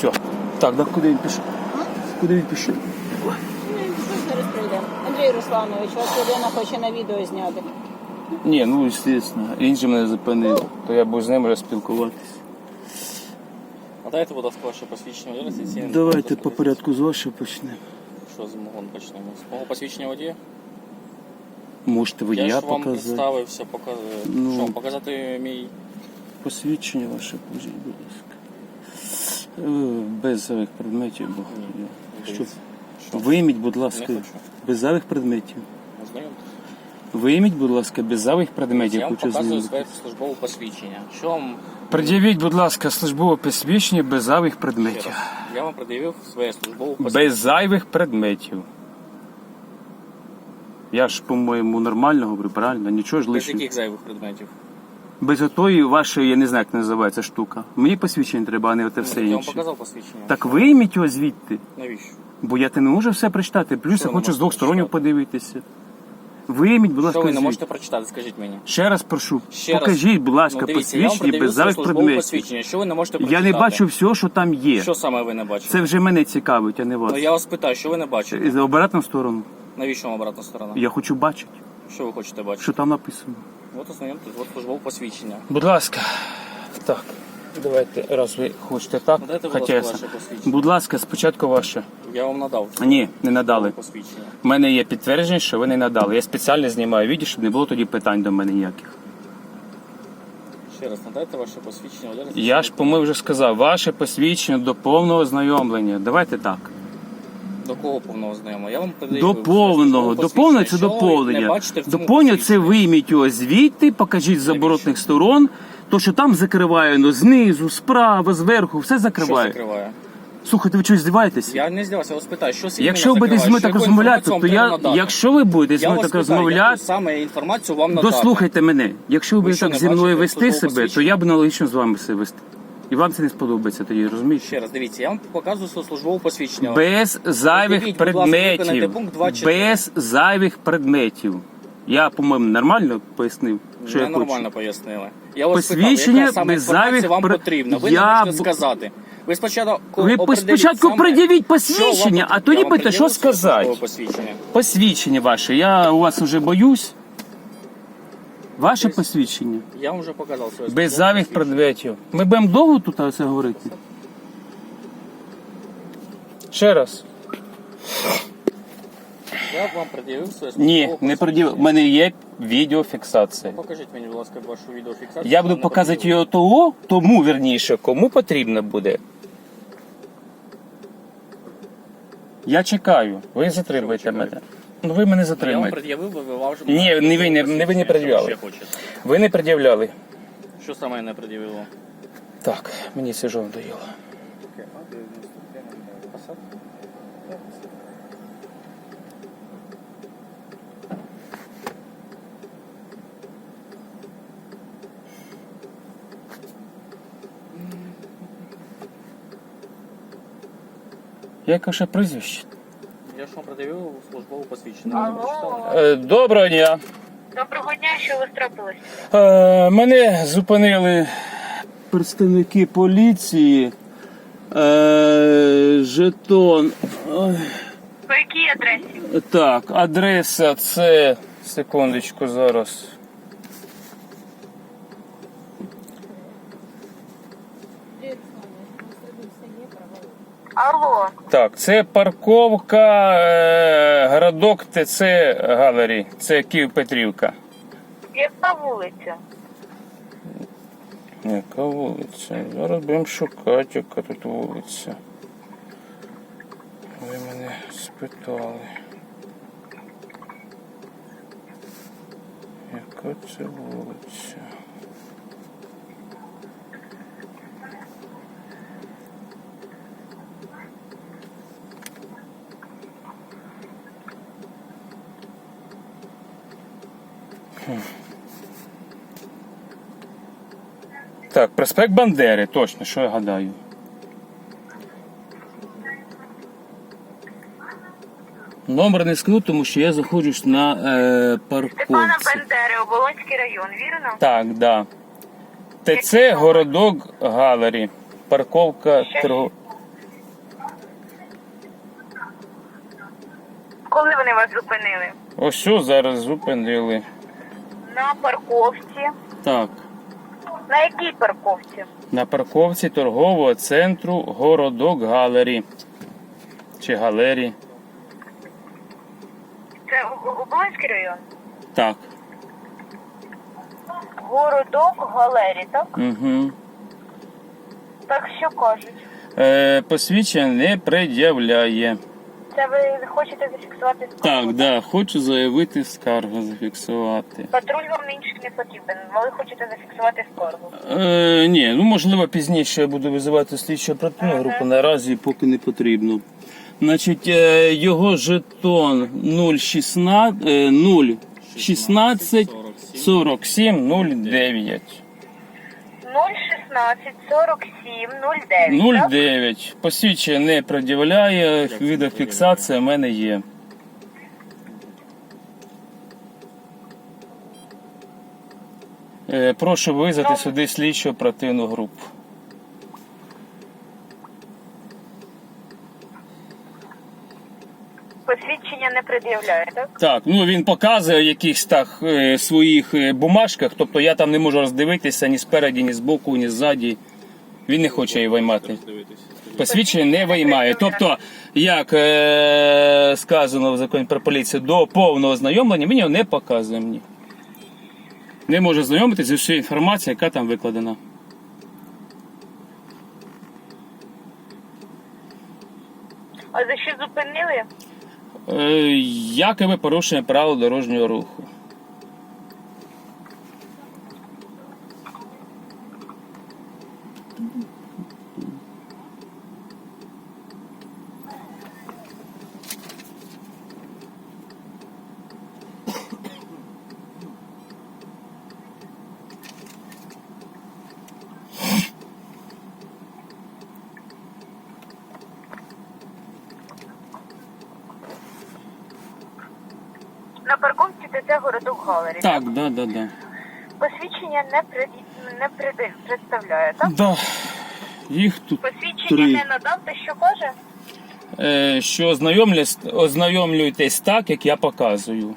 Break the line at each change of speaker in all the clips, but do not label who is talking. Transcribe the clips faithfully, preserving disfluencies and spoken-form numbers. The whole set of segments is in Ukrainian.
Все. Так, да куди він пішов? Куди він пішов?
Ну, зараз прийдемо. Андрій Русланович, вас людина хоче на відео зняти.
Ні, ну, звісно. Він же мене зупинив. То я буду з ним розпілкуватися.
Надайте, будь ласка, ваше посвідчення водія.
Давайте по порядку з вашого почнемо.
Що з мого почнемо? З мого посвідчення водія?
Можете водія
Я ж вам
показати.
представився, показ...
Ну.
що вам показати мій...
Посвідчення ваше, покажіть, будь ласка. Е, Без зайвих предметів, бо
Ні,
Щоб...
дивіться. Що?
Вийміть, будь ласка,
Не хочу.
без зайвих предметів.
Ознайомтесь.
Вийміть, будь ласка, без зайвих предметів.
Я вам
Хочу
показую
знати.
своє службове посвідчення. Що вам...
Пред'явіть, будь ласка, службове посвідчення без зайвих
Ще
предметів.
раз. Я вам пред'явив своє службове посвідчення.
Без зайвих предметів. Я ж, по-моєму, нормально говорю, правильно? Нічого ж
Без
лишнього.
яких зайвих предметів?
Без отої вашої, я не знаю, як називається штука. Мені посвідчення треба, а не оте все
Я вам
інше.
показав посвідчення.
Так вийміть його звідти.
Навіщо?
Бо я те не можу все прочитати. Плюс
Що
я
ви
хочу
не
з двох
можете
сторон
прочитати?
подивитися. Вийміть, будь ласка,
Що ви не
звідти.
можете прочитати, скажіть мені.
Ще раз прошу.
Ще раз.
Покажіть, будь ласка,
Ну, дивіться, я вам
посвідчення
пред'явив
без
своє
зайвих
службове
предметів.
посвідчення. Що ви не можете
Я
прочитати?
не бачу всього, що там є.
Що саме ви не бачите?
Це вже мене цікавить, а не вас.
Ну я вас питаю, що ви не бачите?
І за обратну сторону.
Навіщо вам обратна сторона?
Я хочу бачити,
Що ви хочете бачити?
що там написано.
От ознайомтесь, от службове посвідчення.
Будь ласка. Так. Давайте, раз ви хочете так.
Надайте, будь
Хоча
ласка,
я
ваше
сам.
посвідчення.
Будь ласка, спочатку ваше.
Я вам надав.
Ні, не надали.
Посвідчення.
У мене є підтвердження, що ви не надали. Я спеціально знімаю відео, щоб не було тоді питань до мене ніяких.
Ще раз, надайте ваше посвідчення.
Я ж, по-моєму, вже сказав, ваше посвідчення до повного ознайомлення. Давайте так.
До кого повного знайомого? Я вам передаю.
До повного. Доповнення це доповнення. Доповнення це вийміть його звідти, покажіть з заборотних сторон. То, що там закриває, ну, знизу, справа, зверху, все
Що
закриває.
закриває?
Слухайте, ви чогось здиваєтеся?
Я не здавався, я вас питаю, що саме
Якщо ви будете зі мною так розмовляти, то я, якщо ви будете зі
я
мною
вас
так
питаю, яку
розмовляти,
саме інформацію вам надати?
дослухайте мене. Якщо ви
Ви
будете
що,
так
не
зі мною
бачите
вести
службового
себе, то
посвідчення?
я б аналогічно з вами себе вести. І вам це не сподобається тоді, розумієте?
Ще раз, дивіться, я вам показую своє службове посвідчення.
Без зайвих
Пред'явіть, будь ласка, виконайте
предметів.
пункт два чотири.
Без зайвих предметів. Я, по-моєму, нормально пояснив, що я
Не нормально
хочу.
пояснили. Я вас
Посвідчення
питав, яка саме
без
інформація
зайвих
вам
пр-
потрібна. Ви
Я
не можете
б-
сказати. Ви спочатку
Ви
определіть
спочатку
саме,
пред'явіть
що вам
посвідчення, а
потрібно.
тоді
Я вам
питайте, що
пред'явив своє
сказати.
службове посвідчення.
Посвідчення ваше. Я у вас вже боюсь. Ваше посвідчення.
Я вам вже показав своє
Без
службове
зайвих
посвідчення.
предметів. Ми будемо довго тут це говорити? Ще раз.
Я вам пред'явив своє службове
Ні, не
посвідчення.
продів. У мене є відеофіксація.
Покажіть мені, будь ласка, вашу відеофіксацію.
Я буду
Мене
показувати
пред'явили.
його того, тому, вірніше, кому потрібно буде. Я чекаю. Ви затримуєте
Що ви
мене.
чекаєте?
Ну ви мене
Я вам
затримуєте.
пред'явив, ви вам вже...
Ні, не ви не- не ви не пред'являли.
Що ще хочете?
Ви не пред'являли.
Що саме я не пред'явило?
Так, мені це вже надоїло. Яке ще прізвище?
Я ж вам пред'явив службове посвідчення. Ви не прочитали?
Е, Доброго дня.
Доброго дня, що ви трапилось?
Е, Мене зупинили представники поліції. Е, Жетон. Ой,
По якій адресі?
Так, адреса це. Секундочку зараз.
Алло,
Так, це парковка, е, городок ТЦ Галері. Це Київ-Петрівка.
яка вулиця?
Яка вулиця? Зараз будемо шукати, яка тут вулиця. Ви мене спитали. Яка це вулиця? Хм. Так, проспект Бандери, точно, що я гадаю. Номер не скажу, тому що я заходжу на е,
Степана
парковці.
Бендери, Оболонський район, вірно?
Так, да. ТЦ Городок Галері. Парковка торгов...
Коли вони вас зупинили?
Ось що зараз зупинили.
На парковці.
Так.
На якій парковці?
На парковці торгового центру Городок Галері. Чи Галері.
Це Оболонський район?
Так.
Городок Галері, так?
Угу.
Так що кажуть?
Е, посвідчення не пред'являє.
Це ви хочете зафіксувати скаргу?
Так, да, хочу заявити скаргу, зафіксувати.
Патруль вам інших не потрібен, ви хочете зафіксувати скаргу.
Е, ні, ну можливо пізніше я буду визивати слідчу оперативну групу, наразі поки не потрібно. Значить, е, його жетон нуль шістнадцять, е, нуль шістнадцять сорок сім нуль дев'ять.
нуль шістнадцять сорок сім нуль дев'ять,
нуль
так?
дев'ять. Посвідчення не пред'являє, відеофіксація в мене є. Е, прошу визвати сюди слідчу оперативну групу.
Посвідчення не пред'являє, так?
Так, ну він показує в якихось так е, своїх е, бумажках, тобто я там не можу роздивитися ні спереді, ні збоку, ні ззаді. Він не хоче її виймати. Посвідчення не виймає. Тобто, як е, сказано в законі про поліцію, до повного знайомлення він його не показує мені. Не може знайомитися зі всією інформацією, яка там викладена.
А за що зупинили?
Е, якобы порушення правил дорожнього руху.
На парковці ТЦ Городок Галері.
Так, да, да, да.
Посвідчення не, пред... не пред... представляє, так?
Да. Їх тут
Посвідчення
три.
не надав, ти що каже?
Е, що ознайомлюсь- ознайомлюйтесь так, як я показую.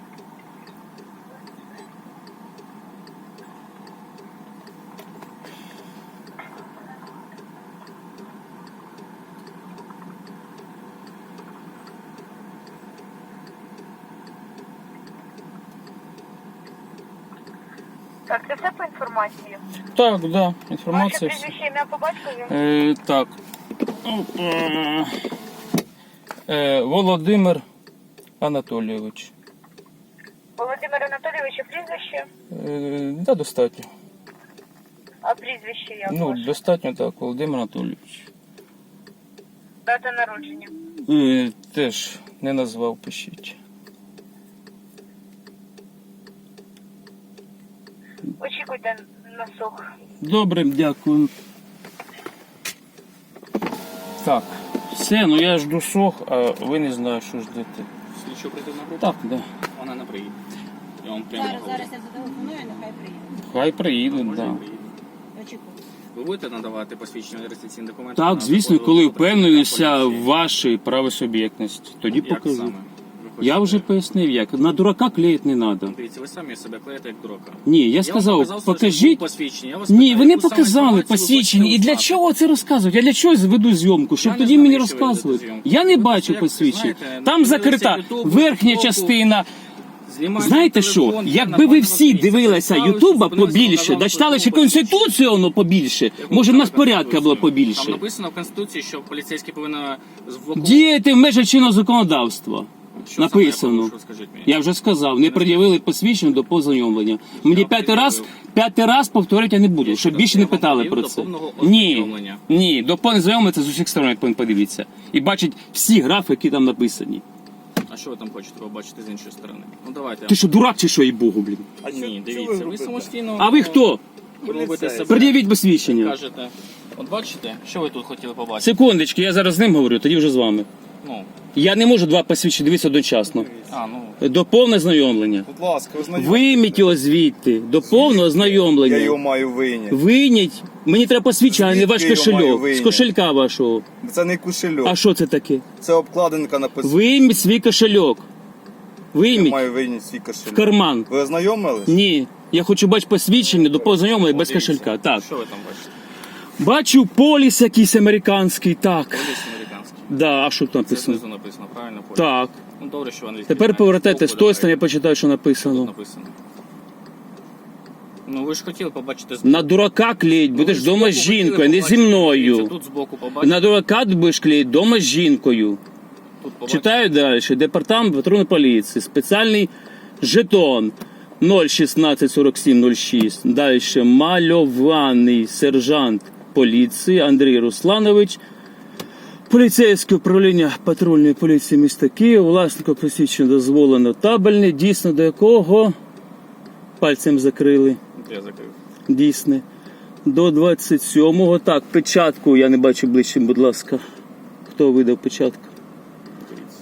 Так, це все по інформації.
Так, да,
Ваше
інформація. вся.
прізвище, ім'я по батькові?
Е, так. Опа. Е, Володимир Анатолійович.
Володимир Анатолійович, а прізвище?
Е, да, достатньо.
А прізвище як
Ну,
ваше?
достатньо так, Володимир Анатолійович.
Дата народження.
Е, теж не назвав, пишіть.
Очікуйте на слух.
Добре, дякую. Так, все, ну я жду сох, а ви не знаю, що ждете.
Слідчо оперативна група?
Так, да.
Вона не приїде. Я вам прямо
Зараз,
говорю.
зараз я зателефоную, нехай приїде.
Хай приїдуть,
Може,
да.
не приїде.
Очікую.
Ви будете надавати посвідчення реєстраційні документи?
Так,
на
звісно,
доходу
коли
працівника
впевненіся в
поліції?
вашій правосуб'єктності, тоді
Як
покажу.
саме? Ви
Я
хочете-
вже пояснив, як. На дурака клеїти не треба.
Дивіться, ви самі себе клеїте як дурака.
Ні, я
вам
сказав,
показав своє
покажіть.
посвідчення. Я вас
Ні,
питаю,
ви не
яку саме
показали
інформацію ви
посвідчення.
хочете
І для
узнати?
чого це розказують? Я для чого веду зйомку? Щоб
Я не
тоді
знаю,
мені
навіщо ви ведете
розказують.
зйомку.
Я не
Ви
бачу
як,
посвідчення.
знаєте,
Там
подивилися
закрита
YouTube,
верхня
TikTok,
частина.
знімаєте
Знаєте
телефон,
що?
є
Якби
нормально
ви всі
дивіться.
дивилися
Представили,
Ютуба
що зупинилися,
побільше,
показали
да читали ще
службове
Конституцію воно побільше,
Яку
може в нас
саме
порядка
Конституцію?
було
Там
побільше.
написано в Конституції, що поліцейський повинен звуково...
Діяти в межах чинного законодавства.
Що саме я
Написано.
порушив, скажіть мені?
Я вже сказав, не пред'явили посвідчення до познайомлення. Мені
Я
п'ятий раз,
пред'явив.
п'ятий раз повторити я не буду, щоб більше не
Я вам
питали
пред'явив
про
до
це.
повного
Ні,
ознайомлення.
ні, до повного знайомлення це з усіх сторон, як повинен подивитися. І бачить всі графи, які там написані.
А що ви там хочете побачити з іншої сторони? Ну давайте.
Ти що, дурак чи що, і Богу, блін?
А ні, дивіться, ви самостійно...
А ви хто?
робите себе.
Пред'явіть посвідчення.
Кажете, от бачите, що ви тут хотіли побачити?
Секундочки, я зараз з ним говорю, тоді вже з вами.
Ну,
Я не можу два посвідчення дивитися одночасно.
а, ну,
До повного знайомлення.
Будь ласка, ознайомте.
Вийміть його звідти, до повного
Я його
ознайомлення.
маю вийняти.
Вийніть. Мені треба посвідчення, а не
Звідки
ваш
я його маю
кошельок. З
вийняти?
кошелька вашого.
Це не кошельок.
А що це таке?
Це обкладинка написана.
Вийміть свій кошельок.
Я
Вийміть
маю вийняти свій
в
кошельок.
карман.
Ви ознайомились?
Ні. Я хочу бачити посвідчення до повного ознайомлення без
дивіться.
кошелька. Так.
Що ви там бачите?
Бачу поліс якийсь американський. Так.
Поліс американський.
Да, а що тут
Це
написано?
знизу написано, правильно? Поліс.
Так.
Ну, добре, що ви англійською
Тепер
знаєте.
повертайте з
Збоку
тої сторони, я
давайте.
почитаю, що
Тут
написано.
написано. Ну, ви ж хотіли побачити збоку.
На дурака клеїть, будеш
Ну,
вдома
ви
з
збоку
жінкою,
хотіли
не зі
побачити.
мною.
Дивіться, тут збоку побачите.
На дурака ти будеш клеїти вдома з жінкою.
Тут побачите.
Читаю далі. Департамент патрульної поліції. Спеціальний жетон нуль шістнадцять сорок сім нуль шість. Далі мальований сержант поліції Андрій Русланович. Поліцейське управління патрульної поліції міста Києва. Власнику посвідчення дозволено табельне. Дійсно до якого пальцем закрили.
Я закрив.
Дійсне. До двадцять сьомого. Так, печатку я не бачу ближче, будь ласка. Хто видав печатку?
Дивіться.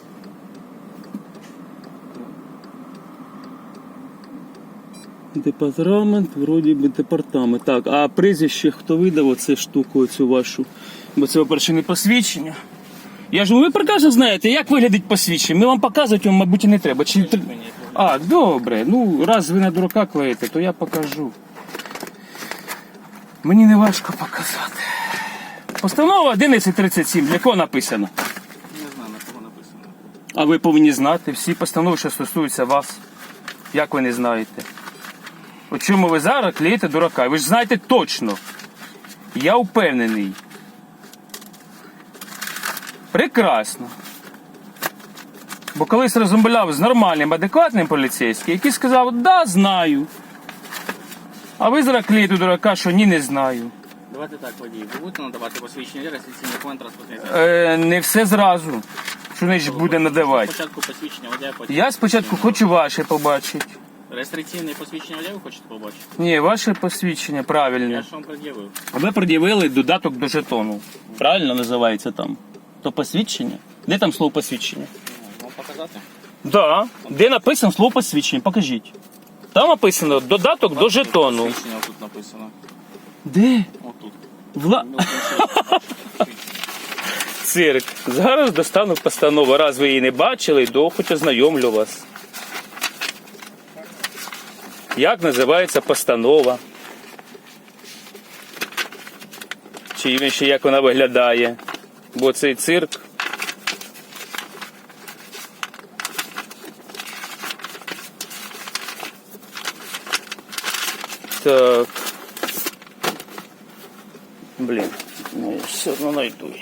Департамент, вроді би департамент. Так, а прізвище хто видав оцю штуку, оцю вашу? Бо це, по-перше, не посвідчення. Я ж ви прекрасно знаєте, як виглядить посвідчення. Ми вам показувати, вам, мабуть, і не треба. Чи...
Мені
А, добре. Ну, раз ви на дурака клеїте, то я покажу. Мені не важко показати. Постанова одинадцять тридцять сім. Для кого написано?
не знаю, на кого написано.
А ви повинні знати всі постанови, що стосуються вас. Як ви не знаєте? У чому ви зараз клеїте дурака? Ви ж знаєте точно. Я впевнений. Прекрасно. Бо колись розмовляв з нормальним, адекватним поліцейським, який сказав, да, знаю. А ви зараз клеїте дурака, що ні, не знаю.
Давайте так, водій. Ви будете надавати посвідчення реєстраційний документ транспортний засіб?
Е, не все зразу. Що значить буде надавати?
Спочатку посвідчення водія, потім...
Я спочатку хочу ваше побачити.
Реєстраційне посвідчення водія ви хочете побачити?
Ні, ваше посвідчення
Я
правильне.
ж вам пред'явив.
Ви пред'явили додаток до жетону. Правильно називається там? То посвідчення? Де там слово посвідчення?
Ну, Вам показати?
Да. Де написано слово посвідчення? Покажіть. Там написано додаток до жетону.
Посвідчення тут написано.
Де?
Отут.
Вла...
Ну, інший.
Цирк. Зараз достану постанову. Раз ви її не бачили, то хоч ознайомлю вас. Як називається постанова? Чи ще як вона виглядає? Бо цей цирк. Так. Блін, ну я все одно знайду її.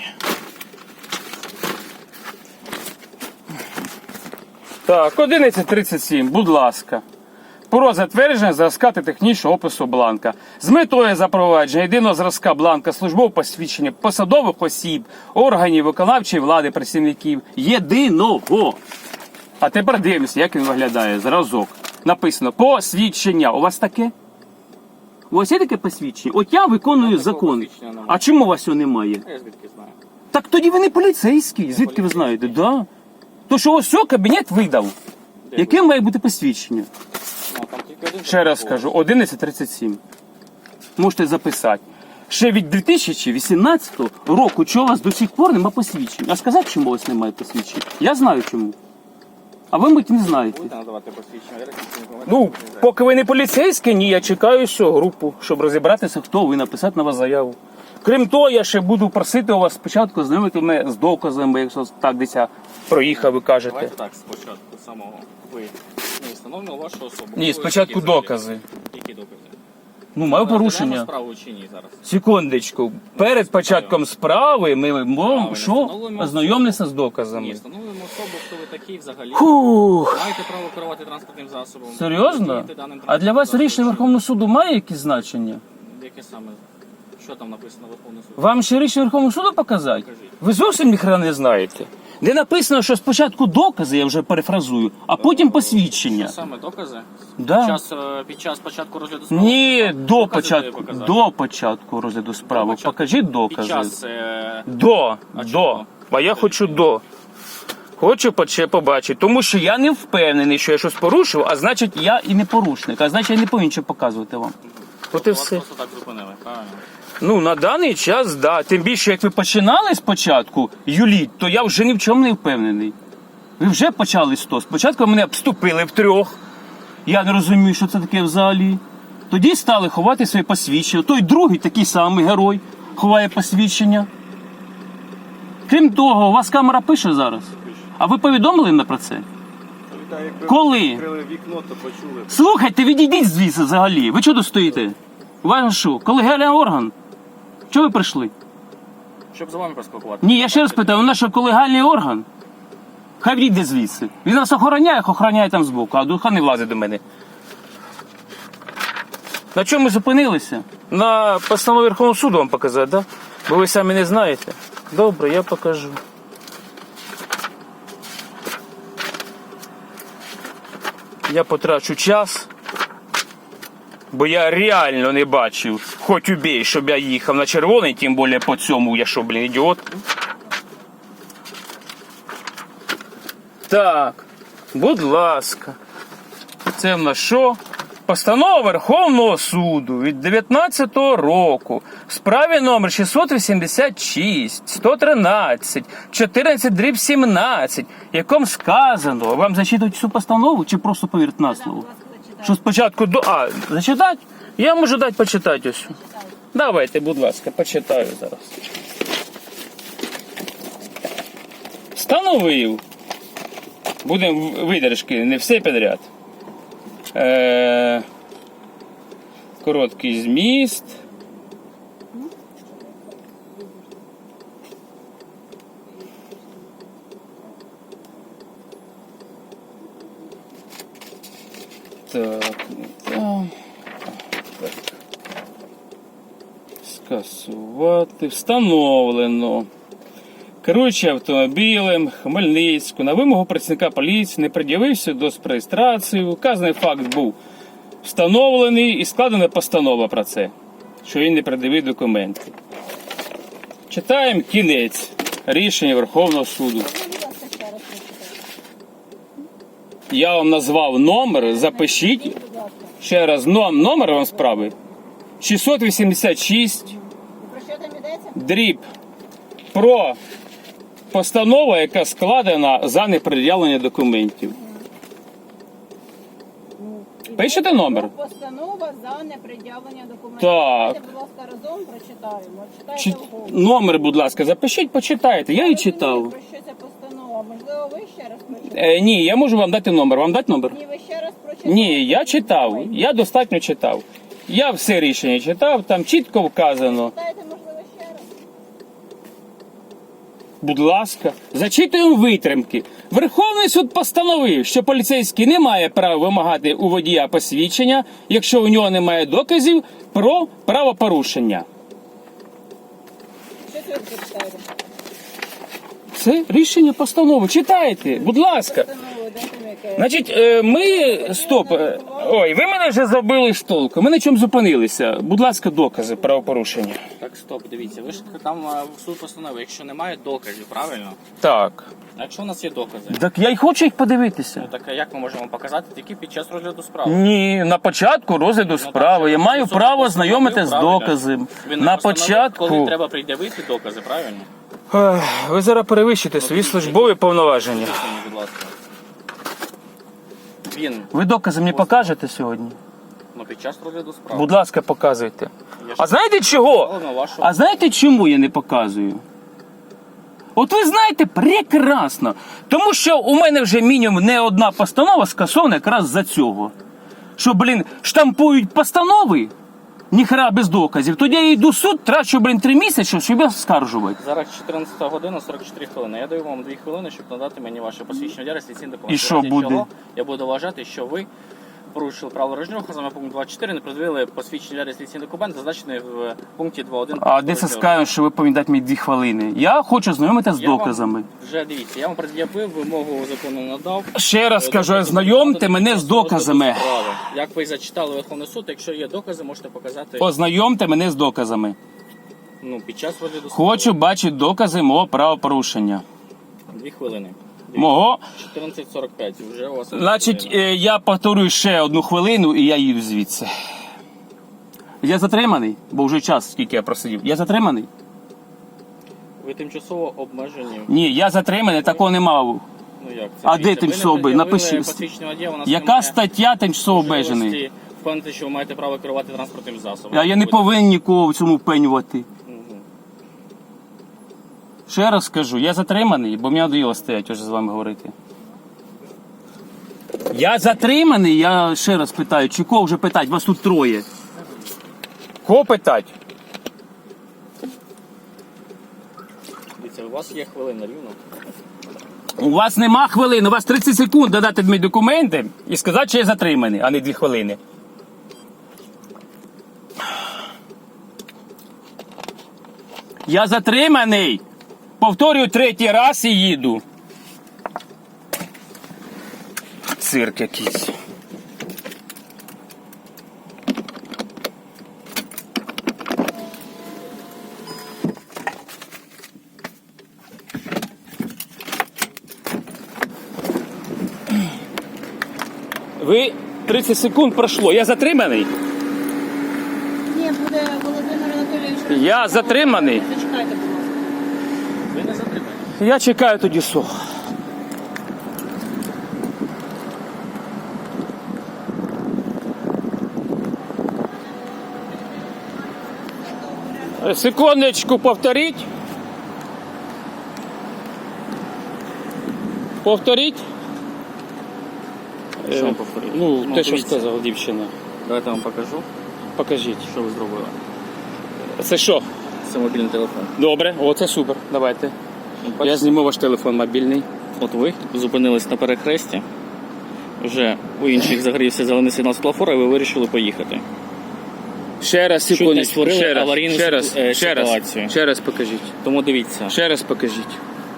Так, одинадцять тридцять сім, будь ласка. Про затвердження зразка та технічного опису бланка. З метою запровадження єдиного зразка бланка службового посвідчення посадових осіб, органів виконавчої влади, працівників. Єдиного. А тепер дивимося, як він виглядає. Зразок. Написано посвідчення. У вас таке? У вас є таке посвідчення? От я виконую
Такого
закон.
посвідчення немає.
А чому у вас його немає?
Я звідки знаю.
Так тоді ви не поліцейський. Звідки ви знаєте? Да. То що ось все, кабінет видав.
Де
Яке має бути посвідчення?
Ну, там тільки один
Ще раз
такий
скажу, одинадцять тридцять сім. Можете записати. Ще від дві тисячі вісімнадцятого року, чого у вас до сих пор нема посвідчень. А сказати, чому у вас немає посвідчень? Я знаю чому. А ви, мабуть, не знаєте.
Будете надавати посвідчення реєстраційний документ
Ну,
транспортний засіб?
поки ви не поліцейські, ні, я чекаю всю групу, щоб розібратися, хто ви, написати на вас заяву. Крім того, я ще буду просити у вас спочатку знайомити мене з доказами, якщо так десь я проїхав, ви кажете.
Давайте так, спочатку самого ви не встановлювали вашу особу.
Ні,
Ви
спочатку
які взагалі?
докази.
Які докази?
Ну, маю
Розглядаємо
порушення.
справу чи ні зараз?
Секундочку. Перед початком справи ми можемо
Правильно,
що?
встановлюємо
Ознайомитися з
Ні,
доказами.
встановлюємо особу, хто ви такий взагалі.
Фух.
Маєте право керувати транспортним засобом.
Серйозно?
Володієте даним
А для вас
транспортним
рішення
засобом.
Верховного суду має якесь значення?
Яке саме? Що там написано в Верховному суді?
Вам ще рішення Верховного суду показати?
Покажіть.
Ви зовсім ніхрена не знаєте. Де написано, що спочатку докази, я вже перефразую, а потім посвідчення.
Що саме докази?
Да.
Під час, е, під час початку розгляду справи?
Ні, до
Докази
початку,
тобі показати?
до початку розгляду справи.
початку.
Покажіть
Під
докази.
час... Е...
До,
А
до.
чого?
А я хочу до. Хочу поче- побачити, тому що я не впевнений, що я щось порушив, а значить я і не порушник, а значить я не повинен нічого показувати вам. От і
Вас
все.
просто так зупинили, правильно?
Ну, на даний час, да. Тим більше, як ви починали спочатку юліть, то я вже ні в чому не впевнений. Ви вже почали з того. Спочатку мене обступили втрьох. Я не розумію, що це таке взагалі. Тоді стали ховати своє посвідчення. Той другий, такий самий герой, ховає посвідчення. Крім того, у вас камера пише зараз. А ви повідомили мене про це?
Та якби
Коли?
ви відкрили вікно, то почули.
Слухайте, відійдіть звідси взагалі. Ви чого тут стоїте? У вас що, колегіальний орган? Чого ви прийшли?
Щоб з вами поспілкуватися.
Ні, я ще раз питаю, у нас що колегіальний орган? Хай відійде звідси. Він нас охороняє, як охороняє там збоку, а духа не влазить до мене. На чому ми зупинилися? На постанові Верховного суду вам показати, так? Да? Бо ви самі не знаєте. Добре, я покажу. Я потрачу час, бо я реально не бачив, хоч убій, щоб я їхав на червоний, тим більше по цьому, я що, блін, ідіот. Так, будь ласка. Це в нас що? Постанова Верховного суду від дев'ятнадцятого року в справі номер шістсот вісімдесят шість, сто тринадцять, чотирнадцять дріб сімнадцять, якому сказано, вам зачитувати цю постанову чи просто повірити на слово? Що спочатку до... А, зачитати? Я можу дати почитати ось. Давайте, будь ласка, почитаю зараз. Встановив. Будемо видержки, не все підряд. Е... Короткий зміст. Так, так. Так. Скасувати. Встановлено. Керуючи автомобілем Хмельницьку на вимогу працівника поліції не пред'явився до реєстрації. Вказаний факт був встановлений і складена постанова про це, що він не пред'явив документи. Читаємо кінець рішення Верховного суду. Я вам назвав номер, запишіть. Ще раз, ном- номер вам справи. шістсот вісімдесят шість,
Про що там йдеться?
дріб, про постанову, яка складена за непред'явлення документів. Пишете номер?
Постанова за непред'явлення документів.
Так.
Давайте, будь ласка, разом прочитаємо. Читайте
Чи...
вголос.
Номер, будь ласка, запишіть, почитайте. Я її читав.
Про що ця постанова? Можливо, ви ще раз прочитаєте?
Е, ні, я можу вам дати номер. Вам дати номер?
Ні, ви ще раз прочитаєте?
Ні, я читав. Я достатньо читав. Я все рішення читав, там чітко вказано.
Читайте, можливо, ще раз.
Будь ласка, зачитуємо витримки. Верховний суд постановив, що поліцейський не має права вимагати у водія посвідчення, якщо у нього немає доказів про правопорушення.
Що це ви прочитаєте?
Це рішення постанови. Читайте, будь ласка.
Постанову, де там яке?
Значить, е, ми... Стоп. е, Ой, ви мене вже забили з толку. Ми на чому зупинилися? Будь ласка, докази правопорушення.
Так, стоп, дивіться, ви ж там а, в суд постанови, якщо немає доказів, правильно?
Так.
А якщо у нас є докази,
Так я й хочу їх подивитися.
ну так а як ми можемо показати тільки під час розгляду справи?
Ні, на початку розгляду справи. Я маю
Суд
право
постановив,
знайомити з
правильно?
доказом.
Він
На
постановив,
початку.
коли треба пред'явити докази, правильно?
Ех, ви зараз перевищите свої службові повноваження.
Поясніть, будь ласка. Він,
Ви докази мені покажете сьогодні?
ну під час розгляду справи.
Будь ласка, показуйте.
Я ж
А знаєте чого?
сказав на вашу-
А знаєте, чому я не показую? От ви знаєте прекрасно. Тому що у мене вже мінімум не одна постанова скасована якраз за цього. Що, блін, штампують постанови, ніхера без доказів. Тоді я йду в суд, трачу, блін, три місяці, щоб я скаржувати.
Зараз чотирнадцята година, сорок чотири хвилини. Я даю вам дві хвилини, щоб надати мені ваше посвідчення водія, реєстраційний документ.
І що
В разі
буде?
чого Я буду вважати, що ви порушили правила дорожнього руху, саме пункт двадцять чотири, не пред'явили посвідчення реєстраційний документ, зазначений в пункті два один.
А де це скажемо, що ви повинні дати мені дві хвилини? Я хочу знайомитися з
Я вам
доказами.
Вже дивіться, я вам пред'явив, вимогу закону надав.
Ще раз кажу, знайомте мене з доказами.
Справи. Як ви зачитали Верховний суд, якщо є докази, можете показати
Ознайомте мене з доказами.
ну, під час розгляду справи.
Хочу бачити докази мого правопорушення.
Дві хвилини.
Мого.
чотирнадцять сорок п'ять. Вже у вас.
Значить, е, я повторюю ще одну хвилину і я їду звідси. Я затриманий, бо вже час, скільки я просидів. Я затриманий?
Ви тимчасово обмежені.
Ні, я затриманий, такого не мав.
Ну як це?
А
Дивіться,
де тимчасово
ви не
обмежений?
пред'явили
Напиши.
посвідчення водія, у нас
Яка
немає
стаття тимчасово обмежений?
можливості впевнити, що ви маєте право керувати транспортним засобом.
А я не повинен нікого в цьому впенювати.
Мгм.
Ще раз скажу, я затриманий, бо мені надоїло стояти вже з вами говорити. Я затриманий, я ще раз питаю, чи кого вже питати? Вас тут троє. Кого питати?
Дивіться, у вас є хвилина рівно.
У вас нема хвилин, у вас тридцять секунд додати мені документи і сказати, що я затриманий, а не дві хвилини. Я затриманий. Повторюю третій раз і їду. Цирк якийсь. Ви тридцять секунд пройшло. Я затриманий?
Ні, буде Володимир Анатолійович.
Я затриманий.
Зачекайте, будь ласка.
Ви не затримані.
Я чекаю тоді сох. Секундочку, повторіть. Повторіть.
Що вам
Е,
повторити?
Ну, те, що
дивіться.
сказала дівчина.
Давайте я вам покажу,
Покажіть.
що ви зробили.
Це що?
Це мобільний телефон.
Добре, о, це супер. Давайте.
Ну,
Я
бачите?
зніму ваш телефон мобільний.
От ви зупинились на перехресті, вже у інших загорівся зелений сигнал світлофора, і ви вирішили поїхати.
Ще раз,
Чуть не
секундочку.
створили
Ще раз,
аварійну
ще раз,
ситу- е,
ще раз,
ситуацію.
ще раз покажіть.
Тому дивіться.
Ще раз покажіть.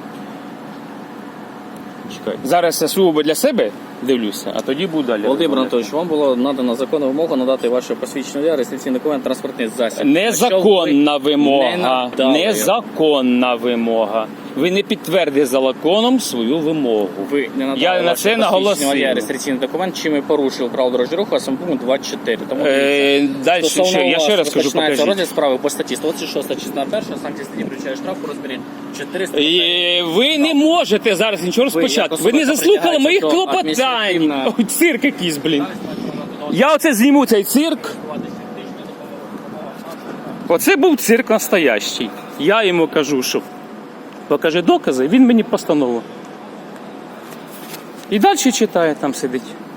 Чекайте.
Зараз я сугубо для себе дивлюся, а тоді буду далі.
Володимир Анатолійович, вам було надано законну вимогу надати ваше посвідчення водія, реєстраційний документ, транспортний засіб.
Незаконна
Якщо ви
вимога.
не надали,
Незаконна вимога. Ви не підтвердили законом свою вимогу.
Ви не надали
Я на
ваше
це
посвідчення
наголосив.
водія, реєстраційний документ, чим ви порушили правила дорожнього руху, а саме пункт двадцять чотири. Тому
Е, далі,
стосовно
ще, я
вас
ще раз кажу,
починається
покажіть.
розгляд справи по статті сто двадцять шість, частина перша, санкція статті включає штраф у розмірі чотириста.
Е, Ви не можете зараз нічого розпочати.
як
Ви не
особисто
заслухали моїх
притягаєте до
клопотань.
адміністративного-
Ой, цирк якийсь, блін. Я оце зніму цей цирк. Оце був цирк настоящий. Я йому кажу, що покажи докази, він мені постанову. І далі читає, там сидить.